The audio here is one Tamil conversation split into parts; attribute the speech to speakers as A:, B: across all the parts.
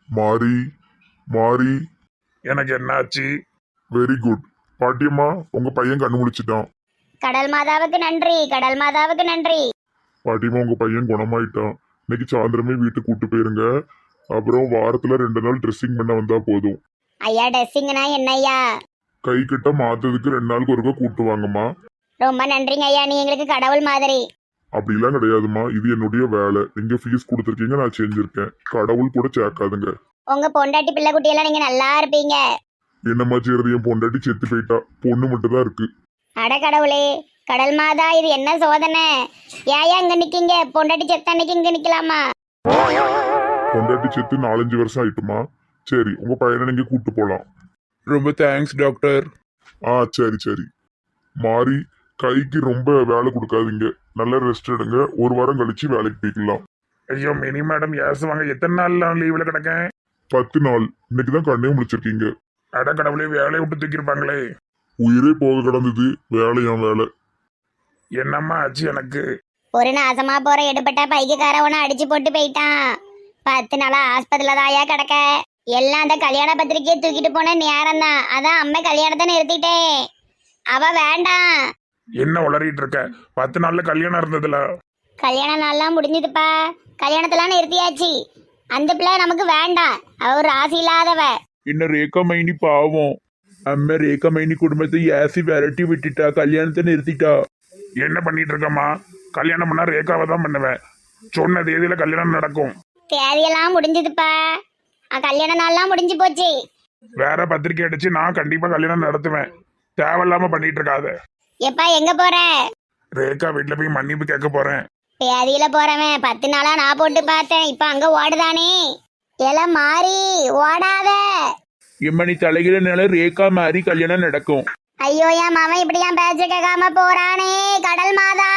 A: மாறி மாறி.
B: எனக்கு என்னாச்சு?
A: Very good. பாட்டியம்மா, உங்க பையன் கண்ணு முழிச்சிட்டான்.
C: கடல் மாதாவுக்கு நன்றி, கடல் மாதாவுக்கு நன்றி.
A: பாட்டியம்மா, உங்க பையன் குணமாயிட்டான். இன்னைக்கு சாயந்தரமே வீட்டுக்கு கூட்டு போயிருங்க. அப்புறம் வாரத்துல 2 நாள் ட்ரெஸ்ஸிங் பண்ண வந்தா போதும்.
C: ஐயா ட்ரெஸ்ஸிங்னா என்னய்யா?
A: கை கிட்ட மாத்ததுக்கு 2 நாளுக்கு ஒருக்கா கூட்டு வாங்கம்மா.
C: ரொம்ப நன்றிங்க ஐயா, நீ எங்களுக்கு கடவுள் மாதிரி.
A: அப்படிலாம் கிடையாதுமா, இது என்னுடைய வேலை. நீங்க ஃபீஸ் கொடுத்துருக்கீங்க, நான் செஞ்சிருக்கேன். கடவுள் கூட சேர்க்காதுங்க.
C: உங்க பொண்டாட்டி பிள்ளை குட்டி எல்லாம் நீங்க நல்லா இருப்பீங்க.
A: என்னம்மா செய்யறது, என் பொண்டாட்டி செத்து போயிட்டா. பொண்ணு மட்டும் தான் இருக்கு.
C: அட கடவுளே, கடல் மாதா இது என்ன சோதனை? ஏயா இங்க நிக்கீங்க? பொண்டாட்டி செத்த அன்னைக்கு இங்க நிக்கலாமா?
A: பொண்டாட்டி செத்து 4-5 வருஷம் ஆயிட்டுமா. சரி, உங்க பையனை நீங்க கூட்டு போலாம்.
B: ரொம்ப தேங்க்ஸ் டாக்டர்.
A: சரி சரி. மாறி, கைக்கு ரொம்ப வேலை கொடுக்காதீங்க. நல்லா ரெஸ்ட் எடுங்க. 1 வாரம் கழிச்சு வேலைக்கு போய்க்கலாம்.
B: ஐயோ மினி மேடம் ஏசுவாங்க. எத்தனை நாள் நான் லீவ்ல கிடக்கேன்?
A: 10 நாள். இன்னைக்கு தான் கண்ணே முடிச்சிருக்கீங்க.
B: அட கடவுளே, வேலையை விட்டு தூக்கியிருப்பாங்களே.
A: உயிரே போக கிடந்தது. வேலையாம் வேலை.
B: என்னம்மா ஆச்சு எனக்கு?
C: ஒரு நாசமா போற எடுபட்ட பைக்குக்காரவனை அடிச்சு போட்டு போயிட்டான். 10 நாளா ஆஸ்பத்திரியில தாயா கிடக்க. எல்லாம் அந்த கல்யாண பத்திரிக்கையை தூக்கிட்டு போன நேரம் தான். அதான் அம்மா கல்யாணத்தை நிறுத்திட்டேன். அவ வேண்டாம்.
B: என்ன உளறிட்டு இருக்க? 10 நாள்ல கல்யாணம் இருந்ததுல.
C: கல்யாண நாள்லாம் முடிஞ்சதுப்பா. கல்யாணத்தெல்லாம் நிறுத்தியாச்சு. அந்த பிள்ளை நமக்கு வேண்டாம். அவ ஒரு ராசி இல்லாதவ.
B: இன்னும் ரேகா மைனி பாவம். அம்மா ரேகா மைனி குடும்பத்தை ஏசி விரட்டி விட்டுட்டா, கல்யாணத்தை நிறுத்திட்டா. என்ன பண்ணிட்டு இருக்கம்மா? கல்யாணம் பண்ணா ரேகாவை தான் பண்ணுவேன். சொன்ன தேதியில கல்யாணம் நடக்கும்.
C: தேதியெல்லாம் முடிஞ்சதுப்பா. கல்யாண நாள்லாம் முடிஞ்சு போச்சு.
B: வேற பத்திரிக்கை அடிச்சு நான் கண்டிப்பா கல்யாணம் நடத்துவேன். தேவையில்லாம பண்ணிட்டு இருக்காத.
C: எப்பா எங்க போற?
B: ரேகா வீட்டுல போய் மன்னிப்பு கேட்க போறேன்.
C: பேதியில போறவன் 10 நாளா நான் போட்டு பார்த்தேன். இப்ப அங்க ஓடுதானே. எல்லாம் மாறி ஓடாத.
B: இம்மணி தலைகிறனால ரேகா மாதிரி கல்யாணம் நடக்கும்.
C: ஐயோ என் மாமன் இப்படி என் பேச்ச கேட்காம போறானே. கடல் மாதா.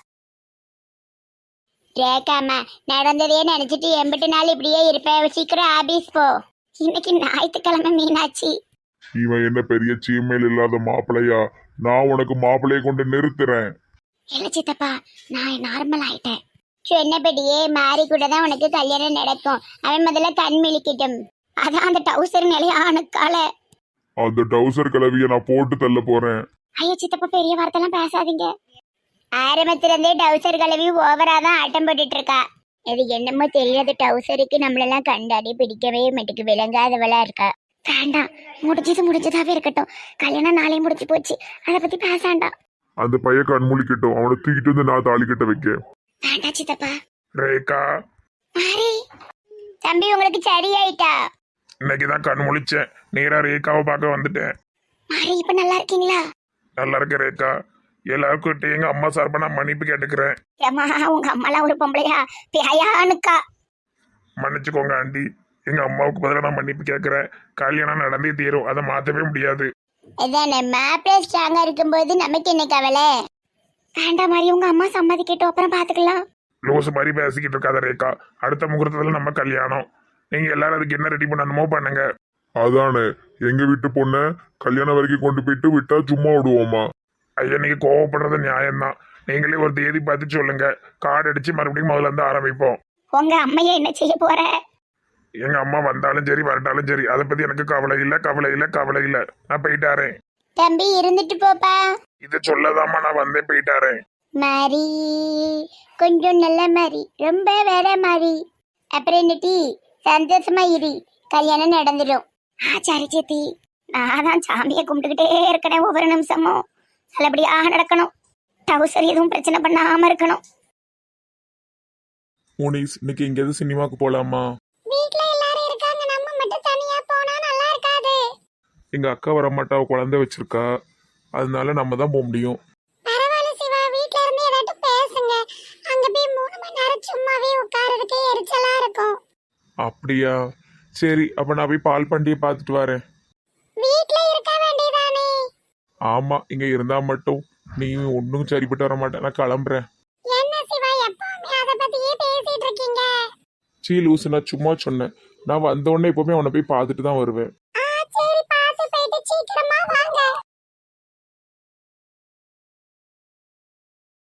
C: ரேகாமா, நடந்ததே நினைச்சிட்டு 80 நாள் இப்படியே இருப்பேன். சீக்கிரம் ஆபீஸ் போ. இன்னைக்கு ஞாயிற்றுக்கிழமை மீனாட்சி.
A: இவன் என்ன பெரிய சீமையில் இல்லாத மாப்பிள்ளையா? நான் உனக்கு மாப்பிள்ளையை கொண்டு நிறுத்துறேன்.
C: இல்ல சித்தப்பா, நான் நார்மல் ஆயிட்டேன். சொன்னபடியே மாறி கூட தான் உனக்கு கல்யாணம் நடக்கும். அவன் முதல்ல கண் மிளிக்கட்டும். அதான் அந்த டவுசர் நிலையானுக்கால.
A: அந்த டவுசர் கிளவிய நான் போட்டு தள்ள போறேன்.
C: ஐயோ சித்தப்பா, பெரிய வார்த்தைலாம் பேசாதீங்க. ஆரம்பத்திலிருந்தே டவுசர் கிளவி ஓவரா தான் ஆட்டம் போட்டுட்டு இருக்கா. இது என்னமோ தெரியாத டவுசருக்கு நம்மளெல்லாம் கண்டாடி பிடிக்கவே மாட்டுக்கு. விளங்காதவளா இருக்கா. வேண்டாம், முடிஞ்சதாவே இருக்கட்டும். கல்யாணம் நாளே முடிச்சு போச்சு. அதை பத்தி பேசாண்டாம்.
A: அந்த பையன் கண்மூழிக்கட்டும். அவனை தூக்கிட்டு வந்து நான் தாலி கட்ட வைக்க.
C: வேண்டாம் சித்தப்பா.
B: ரேகா,
C: மாறி தம்பி, உங்களுக்கு சரியாயிட்டா?
B: இன்னைக்குதான் கண் முழிச்சேன். நேரா ரேகாவை பார்க்க வந்துட்டேன்.
C: மாறி இப்ப நல்லா இருக்கீங்களா?
B: நல்லா இருக்க ரேகா. எல்லாருக்கிட்ட எங்க அம்மா சார்பா நான் மன்னிப்பு கேட்டுக்கிறேன்.
C: ஏம்மா, உங்க அம்மாலாம் ஒரு பொம்பளையா? பேயானுக்கா.
B: மன்னிச்சுக்கோங்க ஆண்டி. எங்க அம்மாவுக்கு பதிலாக நான் மன்னிப்பு கேட்கிறேன். கல்யாணம் நடந்தே தீரும். அதை மாத்தவே முடியாது.
C: இதானே மாப்பிள்ளை ஸ்ட்ராங்கா இருக்கும்போது நமக்கு என்ன கவலை? வேண்டாம் மாதிரி, உங்க அம்மா சம்மதிக்கட்டும், அப்புறம் பாத்துக்கலாம்.
B: லூசு மாதிரி பேசிக்கிட்டு இருக்காத ரேகா. அடுத்த முகூர்த்தத்துல நம்ம கல்யாணம். நீங்க எல்லாரும் அதுக்கு என்ன ரெடி பண்ணணுமோ பண்ணுங்க.
A: அதானே, எங்க வீட்டு பொண்ண கல்யாணம் வரைக்கும் கொண்டு போயிட்டு விட்டா சும்மா விடுவோமா?
B: ஐயா, நீங்க கோவப்படுறது நியாயம்தான். நீங்களே ஒரு தேதி பார்த்து சொல்லுங்க. கார்டு அடிச்சு மறுபடியும் முதல்ல இருந்து ஆரம்பிப்போம்.
C: உங்க அம்மைய என்ன செய்ய போற?
B: எங்க அம்மா வந்தாலும் சரி வரட்டாலும் சரி, அதை பத்தி எனக்கு கவலை இல்ல. நான் போயிட்டாரேன்.
C: தம்பி இருந்துட்டு போப்பா.
B: இதை சொல்லதாம்மா நான் வந்தேன், போயிட்டாரேன்.
C: மாறி கொஞ்சம் நல்ல மாதிரி, ரொம்ப வேற மாதிரி. அப்புறம் என்ன டீ? சந்தோஷமா இரு, கல்யாணம் நடந்துடும். சரி சேத்தி, நான் தான் சாமியை கும்பிட்டுக்கிட்டே இருக்கணும். ஒவ்வொரு நிமிஷமும் நல்லபடியா நடக்கணும். டவுசர் எதுவும் பிரச்சனை பண்ணாம இருக்கணும்.
B: முனிஸ், இன்னைக்கு எங்கேயாவது சினிமாவுக்கு போலாமா?
C: வீட்ல எல்லாரும் இருக்காங்க, நம்ம மட்டும் தனியா போனா நல்லா இருக்காது.
B: எங்க அக்கா வரமாட்டா, குழந்தை வச்சிருக்கா. அதனால நம்ம தான் போக முடியும்.
C: பரவாயில்ல சிவா, வீட்ல இருந்து ஏதாட்டு பேசுங்க. அங்க போய் 3 மணி நேரம் சும்மாவே உட்கார்றதுக்கு எரிச்சலா இருக்கும்.
B: அப்படியா? சரி, அப்ப நான் போய் பால் பண்டியை பார்த்துட்டு வரேன்.
C: வீட்ல இருக்க வேண்டியதானே?
B: ஆமா, இங்க இருந்தா மட்டும் நீ ஒன்னும் சரிப்பட்டு வர மாட்டேன். நான் கிளம்புறேன்.
C: என்ன சிவா, எப்பவுமே அத பத்தியே பேசிட்டு இருக்கீங்க?
B: சீ லூசு, நான் சும்மா சொன்னேன். நான் வந்த உடனே எப்பவுமே அவனை போய் பார்த்துட்டு தான் வருவேன்.
C: சரி, பார்த்து போயிட்டு சீக்கிரமா வாங்க.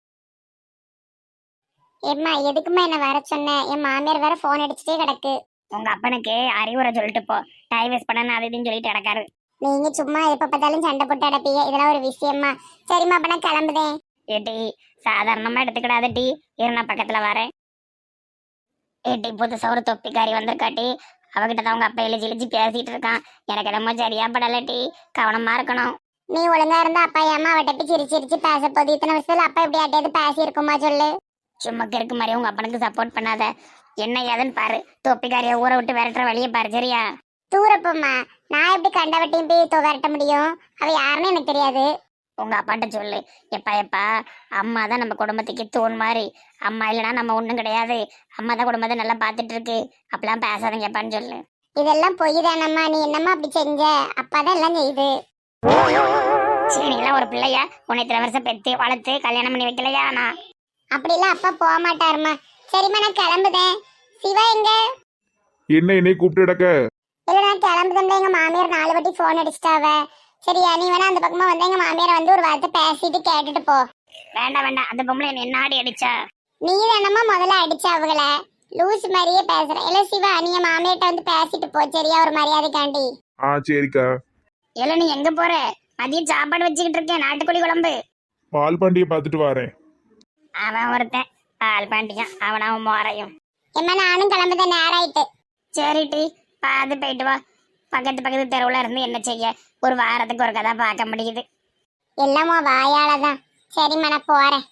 C: எம்மா, எதுக்குமா என்ன வர சொன்ன? என் மாமியார் வேற போன் அடிச்சுட்டே கிடக்கு. உங்க அப்பனுக்கு அறிவுரை சொல்லிட்டு போ. டைம் வேஸ்ட் பண்ண அது இதுன்னு சொல்லிட்டு கிடக்காரு. நீங்க சும்மா எப்ப பார்த்தாலும் சண்டை போட்டு அடப்பீங்க. இதெல்லாம் ஒரு விஷயமா? சரிம்மா, அப்ப நான் கிளம்புதேன். ஏட்டி சாதாரணமா எடுத்துக்கிடாத டி. இரு நான் பக்கத்துல வரேன். ஏட்டி புதுசா ஒரு தொப்பிக்காரி வந்திருக்காட்டி. அவகிட்ட தான் உங்க அப்பா இழிச்சு இழிச்சு பேசிட்டு இருக்கான். எனக்கு என்னமோ சரியா படல டி. கவனமா இருக்கணும். நீ ஒழுங்கா இருந்தா அப்பா ஏமா அவட்ட போய் சிரிச்சு சிரிச்சு பேச போது? இத்தனை வருஷத்துல அப்பா எப்படி ஆட்டையாவது பேசி இருக்குமா சொல்லு. சும்மா இருக்கு மாதிரி உங்க அப்பனுக்கு சப்போர்ட் பண்ணாத. என்ன ஏதுன்னு பாரு. தொப்பிக்காரிய ஊரை விட்டு விரட்டுற வழியை பாரு. சரியா? தூரப்பம்மா, நான் எப்படி கண்டவட்டையும் போய் விரட்ட முடியும்? அவ யாருன்னு எனக்கு தெரியாது. உங்க அப்பாட்ட சொல்லு. எப்பா எப்பா, அம்மா தான் நம்ம குடும்பத்துக்கு தூண் மாதிரி. அம்மா இல்லைன்னா நம்ம ஒண்ணும் கிடையாது. அம்மா தான் குடும்பத்தை நல்லா பாத்துட்டு இருக்கு. அப்பெல்லாம் பேசாதீங்க எப்பான்னு சொல்லு. இதெல்லாம் பொய் தானம்மா. நீ என்னம்மா அப்படி செஞ்ச? அப்பா தான் எல்லாம் செய்யுது. சரி, நீலாம் ஒரு பிள்ளையா? உன்னை இத்தனை வருஷம் பெத்து வளர்த்து கல்யாணம் பண்ணி வைக்கலையா? நான் அப்படிலாம் அப்பா போக மாட்டாருமா. சரிம்மா, நான் கிளம்புதேன். சிவா எங்க?
B: என்ன என்னை கூப்பிட்டு கிடக்க?
C: இல்ல, நான் கிளம்புதேன். எங்க மாமியார் 4 வாட்டி போன் அடிச்சிட்டாவ. சரியா, நீ வேணா அந்த பக்கமா வந்து எங்க மாமியார் வந்து ஒரு வார்த்தை பேசிட்டு கேட்டுட்டு போ. வேண்டாம் வேண்டாம், அந்த பொம்பளை என்ன ஆடி அடிச்சா? நீ தானம்மா முதல்ல அடிச்ச அவங்கள. லூஸ் மாதிரியே பேசுற. இல்ல சிவா, நீ மாமியார்ட்ட வந்து பேசிட்டு போ. சரியா, ஒரு மரியாதைக்காண்டி.
B: சரிக்கா.
C: இல்ல, நீ எங்க போற? மதியம் சாப்பாடு வச்சுக்கிட்டு இருக்கேன், நாட்டுக்கோழி குழம்பு.
B: பால் பாண்டியை பார்த்துட்டு வரேன்.
C: அவன் ஒருத்தன் பால் பாண்டியான். அவன் மோரையும். எம்மா, நானும் கிளம்புதேன், நேரம் ஆயிட்டு. சரி டி, பார்த்து போயிட்டு வா. பக்கத்து தெருவுல இருந்து என்ன செய்ய? ஒரு வாரத்துக்கு ஒரு கதை பார்க்க முடியுது. எல்லாமோ வாயாலதான். சரிம்மா, நான் போறேன்.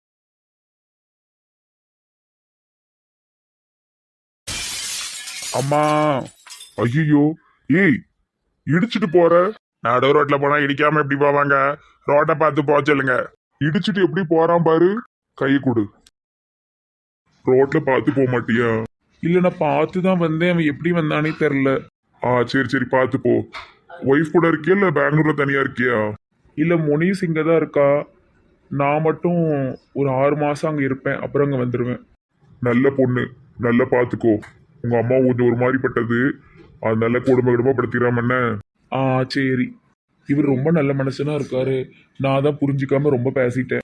A: அம்மா, ஐயோ, ஏய், இடிச்சிட்டு போற? நடு ரோட்ல போனா இடிக்காம எப்படி போவாங்க? ரோட்டை பார்த்து போக சொல்லுங்க. இடிச்சிட்டு எப்படி போறான் பாரு. கை கொடு. ரோட்ல பார்த்து போக மாட்டியா?
B: இல்ல, நான் பார்த்து தான் வந்தேன். அவன் எப்படி வந்தானே தெரியல.
A: சரி சரி, பார்த்து போ. ஒய்ஃப் கூட இருக்கியா இல்ல பெங்களூர்ல தனியா இருக்கியா?
B: இல்ல, முனிஸ் இங்க தான் இருக்கா. நான் மட்டும் ஒரு 6 மாசம் அங்க இருப்பேன். அப்புறம் அங்க வந்துருவேன்.
A: நல்ல பொண்ணு, நல்லா பார்த்துக்கோ. உங்க அம்மா கொஞ்சம் ஒரு மாதிரி பட்டது. அது நல்ல குடும்ப படுத்திடாம என்ன?
B: சரி. இவர் ரொம்ப நல்ல மனுஷனா இருக்காரு. நான் தான் புரிஞ்சுக்காம ரொம்ப பேசிட்டேன்.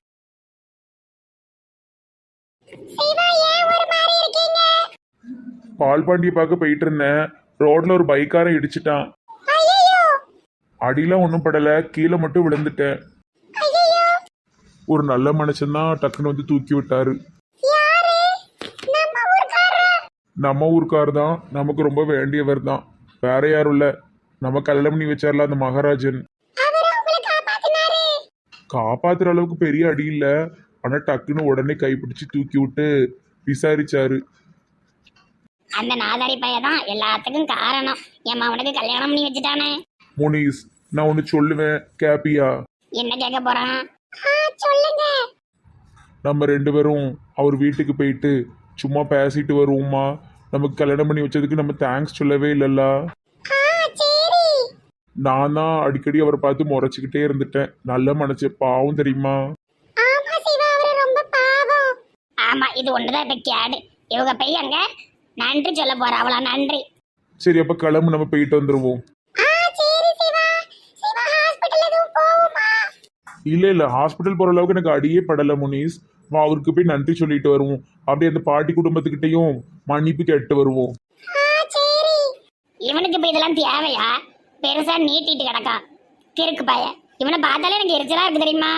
B: பால் பாண்டியை பார்க்க போயிட்டு இருந்தேன். ரோட்ல ஒரு பைக்காரன் இடிச்சிட்டான். அடியெல்லாம் ஒன்றும் படல, கீழே மட்டும் விழுந்துட்டேன். ஒரு நல்ல மனுஷன் தான் டக்குன்னு வந்து தூக்கி விட்டாரு. நம்ம ஊருக்கார் தான். நமக்கு ரொம்ப வேண்டியவர் தான். வேற யாரும் இல்ல. நம்ம கல்யாணம் பண்ணி வச்சார்ல அந்த மகாராஜன். காப்பாத்துற அளவுக்கு பெரிய அடி இல்ல. ஆனா டக்குன்னு உடனே கைப்பிடிச்சு தூக்கி விட்டு விசாரிச்சாரு.
C: அந்த நாதாரி பையதான் எல்லாத்துக்கும் காரணம். என் அவனுக்கு கல்யாணம் பண்ணி வச்சுட்டானே.
B: முனிஸ், நான் ஒன்னு சொல்லுவேன், கேப்பியா?
C: என்ன கேட்க போறான்? சொல்லுங்க.
B: நம்ம 2 பேரும் அவர் வீட்டுக்கு போயிட்டு சும்மா பேசிட்டு வருவோமா? நமக்கு கல்யாணம் பண்ணி வச்சதுக்கு நம்ம தேங்க்ஸ் சொல்லவே இல்லல்ல. நான் தான் அடிக்கடி அவரை பார்த்து முறைச்சிக்கிட்டே இருந்துட்டேன். நல்ல மனசு, பாவம் தெரியுமா?
C: ஆமா, இது ஒண்ணுதான் இப்ப கேடு. இவங்க போய் அங்க நன்றி சொல்ல போறா. அவளா நன்றி.
B: சரி, அப்ப கிளம்பு, நம்ம போயிட்டு வந்துருவோம். இல்ல ஹாஸ்பிட்டல் போற அளவுக்கு எனக்கு அடியே படல முனிஸ். வா, அவருக்கு போய் நன்றி சொல்லிட்டு வருவோம். அப்படியே அந்த பாட்டி குடும்பத்துக்கிட்டையும் மன்னிப்பு கேட்டு வருவோம்.
C: இவனுக்கு இப்ப இதெல்லாம் தேவையா? பெருசா நீட்டிட்டு கிடக்கா கிறுக்கு பைய. இவனை பார்த்தாலே எனக்கு எரிச்சலா இருக்கு தெரியுமா?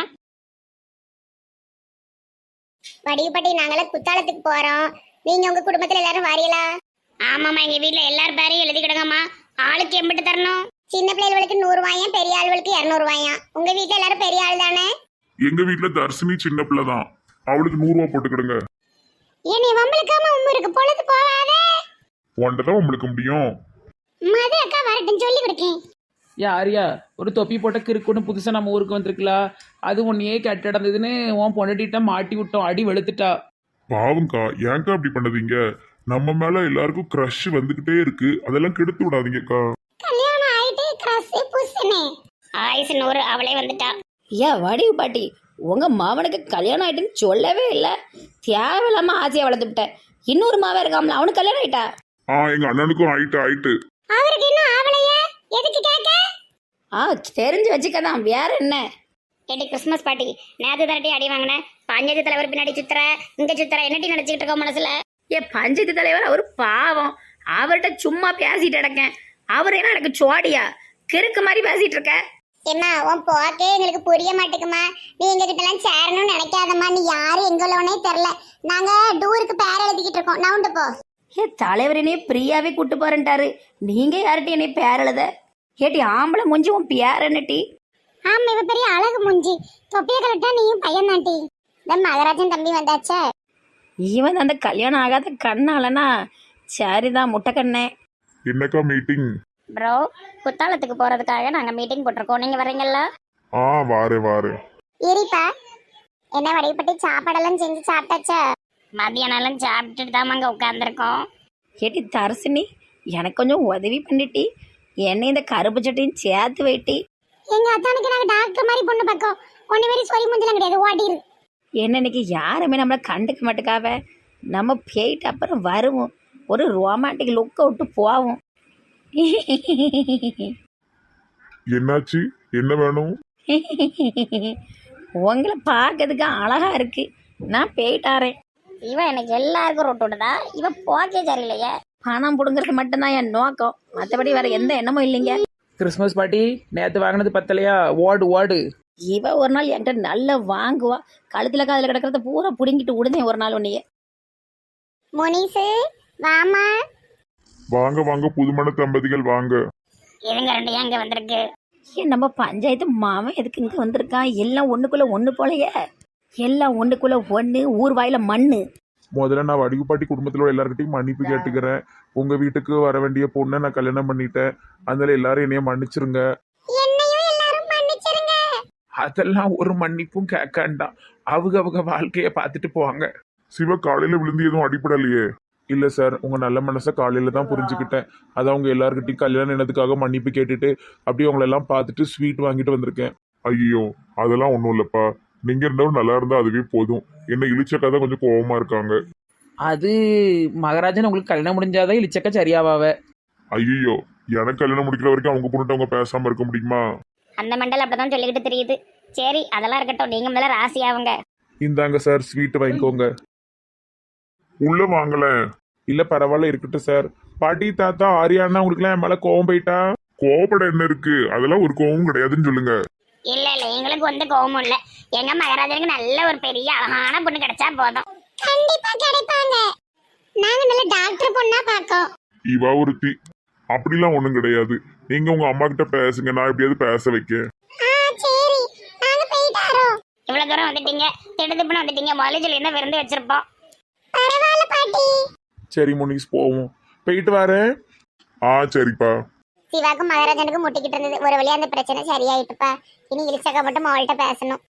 C: வடிவுப்பட்டி, நாங்களாம் குத்தாலத்துக்கு போறோம். நீங்க உங்க குடும்பத்துல எல்லாரும் வரீங்களா? ஆமாமா, எங்க வீட்டுல எல்லாரும் பேரையும் எழுதி கிடங்கம்மா. ஆளுக்கு எம்பிட்டு தரணும்? சின்ன பிள்ளைகளுக்கு 100 ரூபாயும், பெரிய ஆளுகளுக்கு 200 ரூபாயும். உங்க வீட்டுல எல்லாரும் பெரிய ஆள் தானே?
A: எங்க வீட்டுல தர்ஷினி சின்ன பிள்ளை தான். அவளுக்கு 100 ரூபா போட்டுக்கிடுங்க.
C: ஏனி வம்பளுக்காம இருக்கு பொழுது போவாதே.
A: ஒன்றதான் உங்களுக்கு முடியும்.
C: மது அக்கா வரட்டும், சொல்லி கொடுக்கேன்.
D: யாரியா ஒரு தொப்பி போட்ட கிறுக்குன்னு புதுசாக நம்ம ஊருக்கு வந்திருக்கலாம். அது ஒன்றையே கெட்ட நடந்ததுன்னு உன் பொண்டாட்டிட்ட மாட்டி விட்டோம். அடி வெளுத்துட்டா.
A: பாவம்க்கா, ஏன்க்கா அப்படி பண்ணதீங்க? நம்ம மேல எல்லாருக்கும் க்ரஷ் வந்துகிட்டே இருக்கு. அதெல்லாம் கெடுத்து விடாதீங்கக்கா.
C: கல்யாணம் ஆயிட்டு கிரஸ் புஷ்னே ஆயுசு 100 அவளே வந்துட்டா.
E: ஏன் வடிவு பாட்டி, உங்க மாவனுக்கு கல்யாணம் ஆயிட்டுன்னு சொல்லவே இல்லை. தேவையில்லாம ஆசையை வளர்த்துட்டேன். இன்னொரு மாவன் இருக்காமல, அவனுக்கு கல்யாணம் ஆயிட்டா?
A: எங்க அண்ணனுக்கும் ஆயிட்டு.
C: அவருக்கு இன்னும் ஆவலையே. எதுக்கு கேட்க?
E: தெரிஞ்சு வச்சுக்கதான், வேற என்ன?
C: ஏடி கிறிஸ்மஸ் பார்ட்டி நேத்து தரட்டி அடி வாங்கினேன். பஞ்சாயத்து தலைவர் பின்னாடி சுத்துற, இங்க சுத்துற, என்னட்டி நினைச்சுக்கிட்டு இருக்கோம் மனசுல?
E: பஞ்சாயத்து தலைவர் அவர் பாவம். அவர்கிட்ட சும்மா பேசிட்டு கிடக்கேன். அவர் என்ன எனக்கு சோடியா கிறுக்கு மாதிரி பேசிட்டு இருக்க.
C: ஏம்மா உன் போக்கே எங்களுக்கு புரிய மாட்டேங்குமா. நீ எங்க கிட்ட எல்லாம் சேரணும்னு நினைக்காதம்மா. நீ யாரு எங்களோனே தெரியல. நாங்க டூருக்கு பேர் எழுதிக்கிட்டு இருக்கோம். நவுண்டு போ.
E: தலைவர் என்னைய பிரியாவே கூட்டு போறேன்ட்டாரு. நீங்க யார்கிட்ட என்னைய பேர் எழுத? ஏட்டி ஆம்பளை மூஞ்சி உன் பேர் என்னட்டி?
C: ஆமா, இவ பெரிய அழகு மூஞ்சி. தொப்பிய கலட்டா நீயும் பையன் தாண்டி. இந்த மகராஜன் தம்பி வந்தாச்சே.
E: இவன் அந்த கல்யாணம் ஆகாத கண்ணாலனா சரிதான் முட்டை கண்ணே.
A: என்னக்கா மீட்டிங்?
C: ப்ரோ, குத்தாலத்துக்கு போறதுக்காக நாங்க மீட்டிங் போட்டிருக்கோம். நீங்க வர்றீங்களா?
A: வாரு.
C: இருப்பா. என்ன வடைப்பட்டி சாப்பாடெல்லாம் செஞ்சு சாப்பிட்டாச்சா? மதியானம் சாப்பிட்டுட்டு தான் அங்க உட்காந்துருக்கோம்.
E: ஏட்டி தரசினி, எனக்கு கொஞ்சம் உதவி பண்ணிட்டி. என்னை இந்த கருப்பு சட்டையும் சேர்த்து வைட்டி.
C: எங்க அத்தானுக்கு நாங்க டாக்டர் மாதிரி பொண்ணு பக்கம் ஒண்ணு மாதிரி சொல்லி முடியலாம் கிடையாது. ஓடிரு.
E: என்ன இன்னைக்கு யாருமே நம்மளை கண்டுக்க மாட்டேக்காவ. நம்ம போயிட்டு அப்புறம் வருவோம். ஒரு ரொமான்டிக் லுக்கை விட்டு போவோம்.
A: என்னாச்சு? என்ன வேணும்?
E: உங்களை பார்க்கறதுக்கு அழகா இருக்கு. நான் போயிட்டாரேன்.
C: இவன் எனக்கு எல்லாருக்கும் ரொட்டு விடுதா. இவன் போக்கே சரியில்லையே.
E: பணம் பிடுங்கிறது மட்டும்தான் என் நோக்கம். மற்றபடி வேற எந்த எண்ணமும் இல்லைங்க.
D: கிறிஸ்மஸ் பார்ட்டி நேற்று வாங்கினது பத்தலையா? ஓடு.
E: இவ ஒரு நாள் என்கிட்ட நல்லா வாங்குவா. கழுத்துல காதில் கிடக்கிறத பூரா பிடுங்கிட்டு விடுதேன் ஒரு நாள் உன்னையே.
C: முனிசு வாமா.
A: வாங்க புதுமண தம்பதிகள் வாங்க.
C: இதுங்க ரெண்டு அங்க வந்திருக்கு.
E: ஏன் நம்ம பஞ்சாயத்து மாமன் எதுக்கு இங்கே வந்திருக்கான்? எல்லாம் ஒன்றுக்குள்ள ஒன்று போலையே. எல்லாம் ஒன்றுக்குள்ள ஒன்று. ஊர் வாயில மண்ணு.
A: முதல்ல நான் வடிவுப்பாட்டி குடும்பத்தில் எல்லார்கிட்டையும் மன்னிப்பு கேட்டுக்கிறேன். உங்க வீட்டுக்கு வர வேண்டிய பொண்ணை நான் கல்யாணம் பண்ணிட்டேன். அதனால எல்லாரும் என்னைய மன்னிச்சிருங்க.
C: என்னையும் எல்லாரும் மன்னிச்சிருங்க.
B: அதெல்லாம் ஒரு மன்னிப்பும் கேட்காண்டாம். அவங்க வாழ்க்கைய பார்த்துட்டு போவாங்க.
A: சிவ காலையில விழுந்து எதுவும் அடிப்படலையே?
B: இல்ல சார், உங்க நல்ல மனசை காலையில தான் புரிஞ்சுக்கிட்டேன். அதான் உங்க எல்லார்கிட்டையும் கல்யாணம் என்னதுக்காக மன்னிப்பு கேட்டுட்டு அப்படியே உங்களை எல்லாம் பார்த்துட்டு ஸ்வீட் வாங்கிட்டு வந்திருக்கேன்.
A: ஐயோ, அதெல்லாம் ஒண்ணும் இல்லப்பா. நீங்க ரெண்டும் நல்லா இருந்தா அதுவே போதும். என்ன இழிச்சக்கா தான் கொஞ்சம் கோவமா இருக்காங்க.
D: அது மகராஜன் உங்களுக்கு கல்யாணம் முடிஞ்சாதான் இழிச்சக்க சரியாவாவ.
A: ஐயோ, எனக்கு கல்யாணம் முடிக்கிற வரைக்கும் அவங்க பொண்ணுட்டு அவங்க பேசாம இருக்க முடியுமா?
C: அந்த மண்டல் அப்படிதான் சொல்லிக்கிட்டு தெரியுது. சரி, அதெல்லாம் இருக்கட்டும். நீங்க முதல்ல ராசி ஆவுங்க.
B: இந்தாங்க சார், ஸ்வீட் வாங்கிக்கோங்க.
A: உள்ள வாங்கல.
B: இல்ல பரவாயில்ல, இருக்கட்டும் சார். பாட்டி தாத்தா ஆரியானா உங்களுக்குலாம் என் மேல கோவம் போயிட்டா?
A: கோபப்பட என்ன இருக்கு? அதெல்லாம் ஒரு கோவம் கிடையாதுன்னு சொல்லுங்க.
C: இல்ல எங்களுக்கு வந்து கோவமும் இல்ல. எங்க மகராஜனுக்கு நல்ல ஒரு பெரிய அழகான பொண்ணு கிடைச்சா போதும். கண்டிப்பா கிடைப்பாங்க. நாங்க நல்ல டாக்டர் பொண்ணா பாக்கோம்.
A: இவா ஒருத்தி. அப்படிலாம் ஒண்ணும் கிடையாது. நீங்க உங்க அம்மா கிட்ட பேசுங்க, நான் எப்படியாவது பேச வைக்க.
C: சரி, நாங்க போயிட்டாரோ. இவ்வளவு தூரம் வந்துட்டீங்க, திடுதிப்புன்னு வந்துட்டீங்க. முதல்ல சொல்லி என்ன விருந்து வச்சிருப்போம். பரவாயில்ல பாட்டி.
B: சரி முனிஸ், போவோம். போயிட்டு வரேன்.
A: சரிப்பா.
C: சிவாக்கும் மகராஜனுக்கும் முட்டிக்கிட்டு இருந்தது. ஒரு வழியா அந்த பிரச்சனை சரியாயிட்டுப்பா. இனி இழிச்சக்கா மட்டும் அவள்கிட்ட பேசணும்.